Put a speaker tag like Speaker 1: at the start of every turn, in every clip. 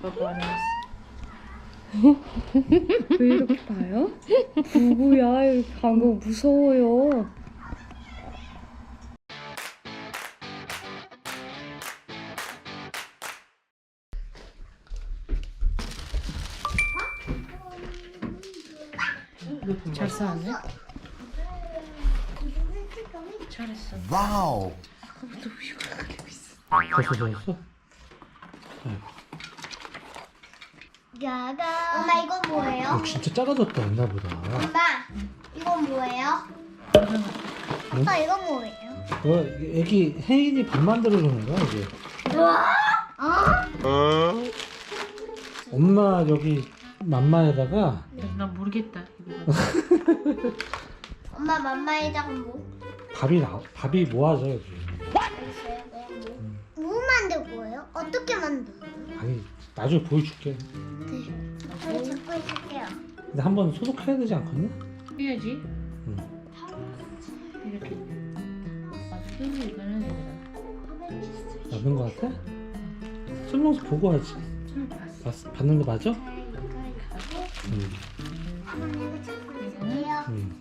Speaker 1: 아빠 안 했어.
Speaker 2: 왜 이렇게 봐요? 누구야? 이렇게 간 거 무서워요.
Speaker 1: 잘 싸네. 잘했어.
Speaker 3: 와우.
Speaker 1: 아까부터 우유가 그렇게 비싸.
Speaker 4: 벌써 젖었어?
Speaker 5: 야가. 엄마 이건 뭐예요?
Speaker 4: 진짜 작아졌다 옛날보다.
Speaker 5: 엄마 이건 뭐예요? 아빠 이건 뭐예요?
Speaker 4: 애기 혜인이 밥 만들어주는 거야 이게. 엄마 여기 맘마에다가
Speaker 1: 나 모르겠다.
Speaker 5: 엄마 맘마에다가 뭐?
Speaker 4: 밥이 모아져 여기.
Speaker 5: 알겠어요. 뭐 만들 거예요? 어떻게 만들어요?
Speaker 4: 아니 나중에 보여줄게.
Speaker 5: 네. 저희 잡고 있을게요.
Speaker 4: 근데 한번 소독해야 되지 않겠냐?
Speaker 1: 해야지.
Speaker 4: 응.
Speaker 1: 이렇게. 아주 이거는
Speaker 4: 맞는 거 같아? 설명서 보고 하지. 받는 거 맞아? 응.
Speaker 5: 엄마 이거 잡고 있을게요.
Speaker 4: 응.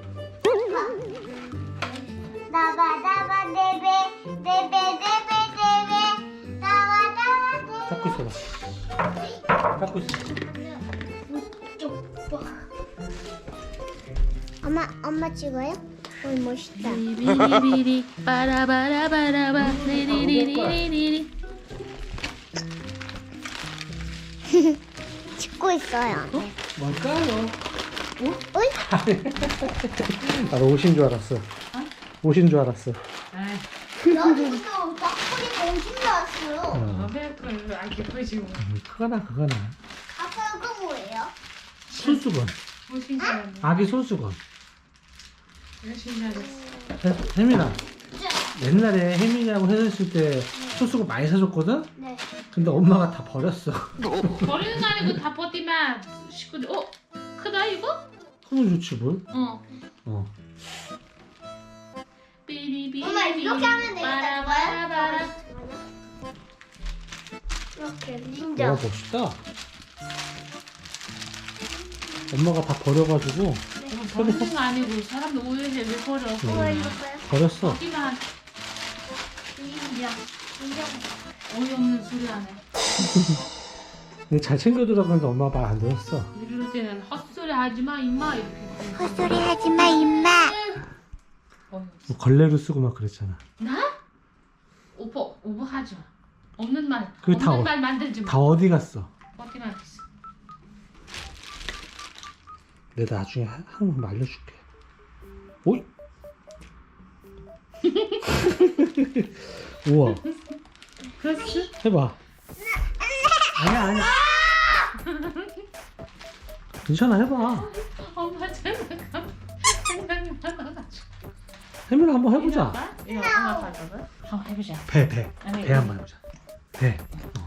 Speaker 5: 나바 네베 나바
Speaker 4: 닦고 있어봐. 닦고 있어.
Speaker 5: 엄마 찍어요? 오 멋있다.
Speaker 1: 비리비리 바라바라바라바 리리리리리리.
Speaker 5: 찍고 있어요.
Speaker 4: 뭘까요?
Speaker 5: 어이?
Speaker 4: 나도 옷인 줄 알았어. 옷인 줄 알았어.
Speaker 5: 여기도 닭고기 공신 나왔어요.
Speaker 1: 아메리카노 안 예쁘지.
Speaker 4: 그거나.
Speaker 5: 아빠 이거 뭐예요?
Speaker 4: 손수건.
Speaker 1: 무슨 사람이야?
Speaker 4: 아기 손수건.
Speaker 1: 열심히 잘했어.
Speaker 4: 혜민아. 옛날에 혜민이하고 헤어졌을 때 손수건 많이 사줬거든?
Speaker 5: 네.
Speaker 4: 근데 엄마가 다 버렸어.
Speaker 1: 버리는 거 아니고 다 버티면 식구들. 크다 이거?
Speaker 4: 그러면 좋지 뭘?
Speaker 1: 어. 삐리비리.
Speaker 5: 엄마 이렇게 하면 되겠다.
Speaker 1: 바라바라바라.
Speaker 5: 이렇게
Speaker 4: 와
Speaker 5: 닌자.
Speaker 4: 멋있다. 엄마가 다 버려가지고
Speaker 1: 버리는 거 아니고 사람들 오해해 왜 버려?
Speaker 5: 뭐 이거요?
Speaker 4: 버렸어.
Speaker 1: 버리면
Speaker 5: 닌자.
Speaker 1: 어이없는 소리 하네.
Speaker 4: 근데 잘 챙겨두라고 했는데 엄마가 말 안 들었어.
Speaker 1: 이럴 때는 헛소리 하지마 임마 이렇게.
Speaker 5: 헛소리 하지마 임마.
Speaker 4: 뭐 걸레로 쓰고 막 그랬잖아.
Speaker 1: 나? 오버 하지 마. 없는 말.
Speaker 4: 그게 다
Speaker 1: 없는 말 만들지 마.
Speaker 4: 다 어디 갔어?
Speaker 1: 버티면 있어.
Speaker 4: 내가 나중에 한번 말려줄게. 오이. 우와.
Speaker 1: 그렇지?
Speaker 4: 해봐. 아니야. 괜찮아 해봐.
Speaker 1: 엄마 생각이 많아가지고.
Speaker 4: 혜민아 한번 해보자.
Speaker 1: 이거 엄마 봐봐. 한번 해보자.
Speaker 4: 배
Speaker 1: 아니,
Speaker 4: 한번 해보자. 배.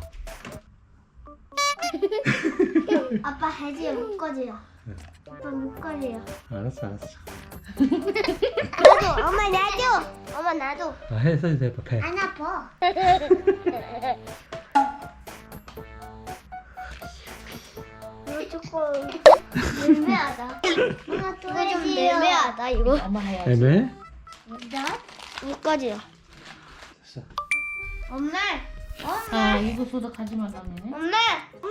Speaker 5: 아빠 해지요 목걸이요. 아빠 목걸이요.
Speaker 4: 알았어.
Speaker 5: 나도 엄마 나도. 엄마 나도.
Speaker 4: 해서 해봐 배.
Speaker 5: 안 아파. 이거 조금 애매하다. 엄마 또 이거 좀 애매하다 이거.
Speaker 1: 엄마 해야지.
Speaker 4: 애매?
Speaker 5: 나 목걸이요.
Speaker 4: 됐어.
Speaker 5: 엄마.
Speaker 1: 아 이거 소독하지 마 다니네.
Speaker 5: 엄마.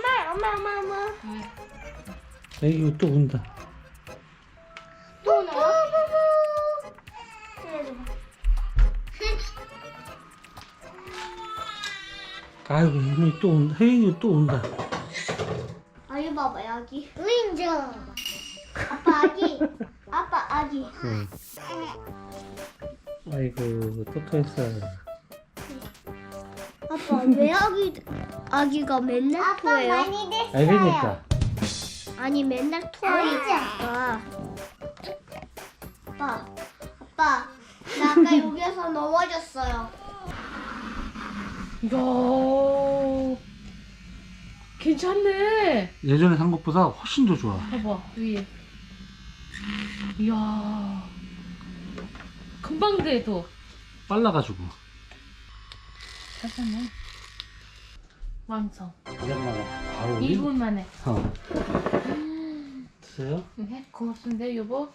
Speaker 4: 애기 또 운다.
Speaker 5: 또 나와?
Speaker 4: 아이고 혜민이 또 온다. 혜인이 또 온다.
Speaker 5: 아 이거 봐봐 여기. 인정. 아빠 아기. 아빠 아기.
Speaker 4: 응. 아이고 또 토했어.
Speaker 5: 아빠 왜 아기가 맨날 토해요? 많이 됐어요.
Speaker 4: 알겠니까.
Speaker 5: 아니 맨날 토하니까. 아빠 나 아까 여기서 넘어졌어요.
Speaker 1: 이야 괜찮네.
Speaker 4: 예전에 산 것보다 훨씬 더 좋아.
Speaker 1: 봐봐 위에. 이야 금방 돼도.
Speaker 4: 빨라가지고.
Speaker 1: 잠깐만. 완성.
Speaker 4: 오랜만에 바로 올림?
Speaker 1: 2분 만에.
Speaker 4: 드세요?
Speaker 1: 네, 고맙습니다, 여보.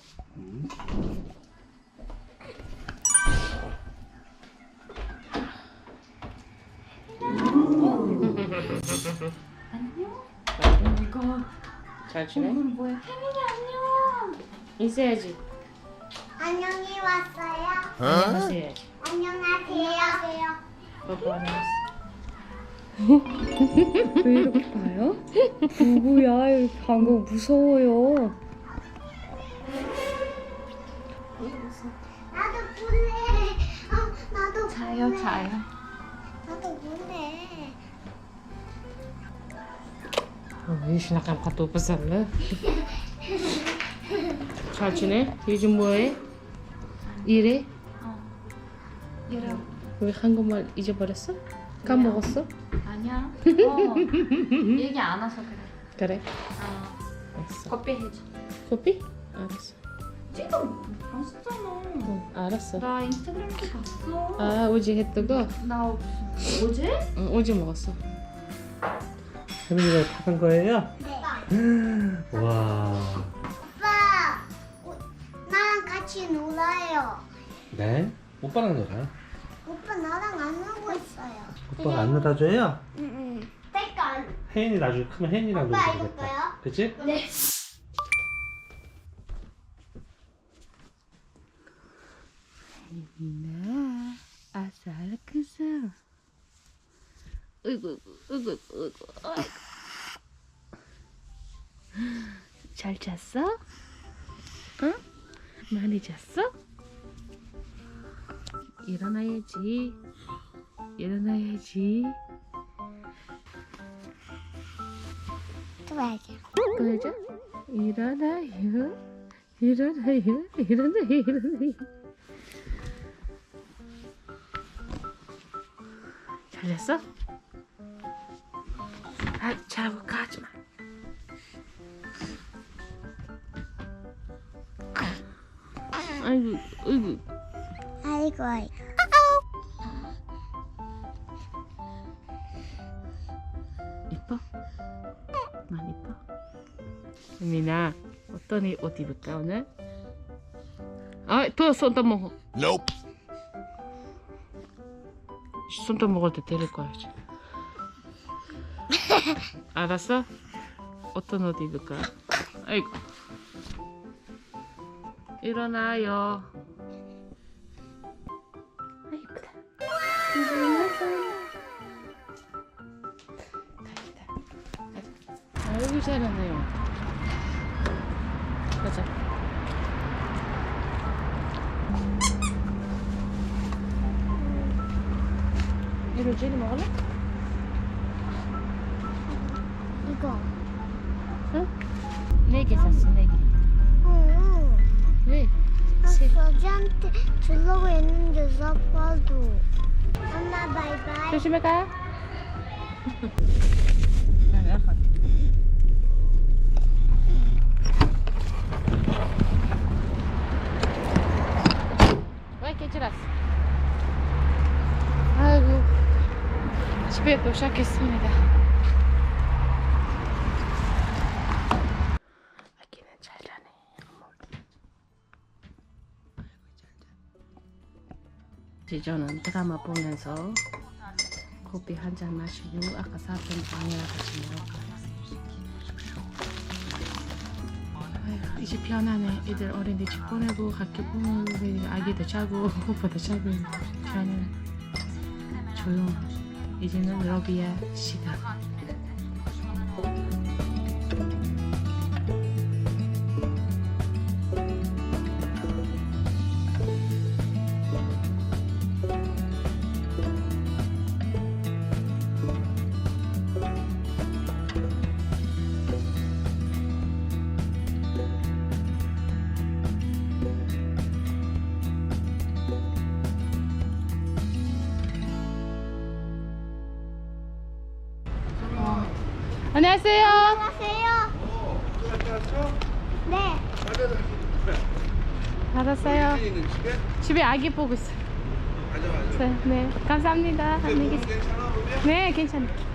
Speaker 1: 안녕. 이거
Speaker 2: 잘 지내?
Speaker 1: 이건 뭐야? 혜민이 안녕. 있어야지.
Speaker 5: 안녕히 왔어요.
Speaker 1: 안녕하세요야지.
Speaker 5: 안녕하세요.
Speaker 1: 뽀뽀 안녕하세요.
Speaker 2: 왜 이렇게 봐요? 누구야? 이렇게 방금 무서워요.
Speaker 5: 나도 볼래. 나도
Speaker 1: 자요,
Speaker 5: 볼래.
Speaker 1: 자요.
Speaker 5: 나도 볼래.
Speaker 1: 이씨 나간 밥도 못 샀네. 잘 지내? 요즘 뭐해? 일해?
Speaker 3: 이래.
Speaker 1: 왜 한국말 잊어버렸어? 까먹었어?
Speaker 3: 아니야. 얘기 안 해서 그래.
Speaker 1: 그래?
Speaker 3: 어.
Speaker 1: 알았어.
Speaker 3: 커피 해줘.
Speaker 1: 커피? 알았어.
Speaker 3: 지금 봤잖아.
Speaker 1: 응, 알았어.
Speaker 3: 나 인스타그램에서 봤어.
Speaker 1: 아, 어제 했다고?
Speaker 3: 나 어제?
Speaker 1: 응, 어제 먹었어.
Speaker 4: 혜민이가 타간 거예요? 와.
Speaker 5: 오빠, 나랑 같이 놀아요.
Speaker 4: 네? 오빠랑 놀아요?
Speaker 5: 오빠 나랑 안 놀고 있어요.
Speaker 4: 오빠가 안 놀아줘요?
Speaker 5: 잠깐.
Speaker 4: 혜인이 나중에 크면 혜인이랑
Speaker 5: 오빠
Speaker 4: 놀면
Speaker 5: 이거
Speaker 4: 되겠다. 그치?
Speaker 5: 네.
Speaker 1: 혜민아, 아싸르크스. 으이구, 으이구, 으이구, 아이고. 잘 잤어? 응? 많이 잤어? 일어나야지. 일어나야지.
Speaker 5: 좋아하죠.
Speaker 1: 그러죠? 일어나요. 일어나요. 일어나요. 일어나요. 잘 잤어? 아, 자고 가지 마. 아이고, 아이고.
Speaker 5: 아이고 아이고.
Speaker 1: 이뻐? 많이 이뻐? 혜민아, 어떤 옷 입을까 오늘? 아, 또 손톱 먹어.
Speaker 6: Nope.
Speaker 1: 손톱 먹을 때 데릴 거야 이제. 알았어? 어떤 옷 입을까? 아이고. 일어나요. 아, 이쁘다. 아이고 잘하네요. 가자. 이거 젤리 먹을래?
Speaker 5: 이거.
Speaker 1: 응? 4개 샀어, 4개.
Speaker 5: 응.
Speaker 1: 왜?
Speaker 5: 저지한테 주려고 했는데 사파도. 엄마 바이바이.
Speaker 1: 조심해 가. 왜 깨질었어? 아이고, 집에 도착했습니다. 아기는 잘 자네. 이제 저는 드라마 보면서 커피 한 잔 마시고 아까 샀던 빵이랑 같이 먹을까요? 아휴, 이제 편하네. 애들 어린이집 보내고 학교 보내고 아기도 자고 오빠도 자고 편해. 조용. 이제는 러비야 시간. 안녕하세요.
Speaker 5: 안녕하세요. 네.
Speaker 1: 알았어요. 집에 아기 보고 있어요. 네, 감사합니다. 안녕히 계세요. 네, 괜찮아요.